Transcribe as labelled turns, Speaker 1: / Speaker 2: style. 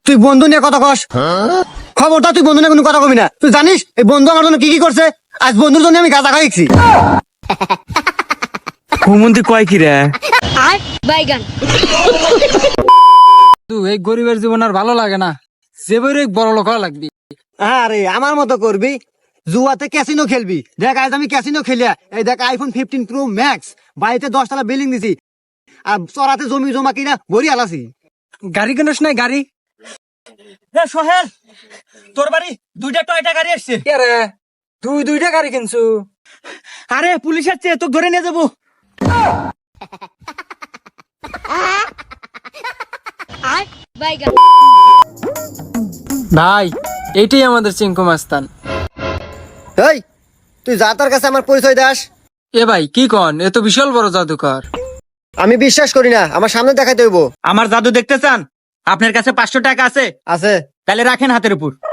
Speaker 1: তুই বন্ধু নিয়ে কথা কস, খবরটা তুই বন্ধু নিয়ে কোনো কথা কবি না। তুই জানিস এই বন্ধু আমার জন্য কি কি করছে? আজ বন্ধুর জন্য আমি গাঁজা খাইছি।
Speaker 2: হুমন্তি কয় কি রে?
Speaker 3: বাইগান
Speaker 2: তুই এই গরিবের জীবন আর ভালো লাগে না, যে বড় বড় লোক হওয়া লাগবি।
Speaker 1: আরে আমার মতো করবি, জুয়াতে ক্যাসিনো খেলবি। দেখ আজ আমি ক্যাসিনো খেলিয়া এই দেখ আইফোন 15 প্রো ম্যাক্স, বাড়িতে 10 তলা বিল্ডিং দিছি, আর চরাতে জমি জমা কিনা ভরি আলাসি।
Speaker 2: গাড়ি কিনিস নাই গাড়ি?
Speaker 4: সোহেল, তোর বাড়ি দুইটা টয়টা গাড়ি আসছে।
Speaker 2: কে রে, তুই দুইটা গাড়ি কিনছু?
Speaker 4: আরে পুলিশ আসছে, তোকে ধরে নিয়ে যাবো।
Speaker 3: বাইগান
Speaker 2: ভাই এইটাই আমাদের চিঙ্কু মাস্তান।
Speaker 1: এই তুই যা তার কাছে আমার পরিচয় দাস।
Speaker 2: এ ভাই কি কন, এ তো বিশাল বড় জাদুকর।
Speaker 1: আমি বিশ্বাস করি না, আমার সামনে দেখাইতে হইব।
Speaker 4: আমার জাদু দেখতে চান? আপনার কাছে 500 টাকা আছে?
Speaker 1: আছে।
Speaker 4: তাহলে রাখেন হাতের উপর।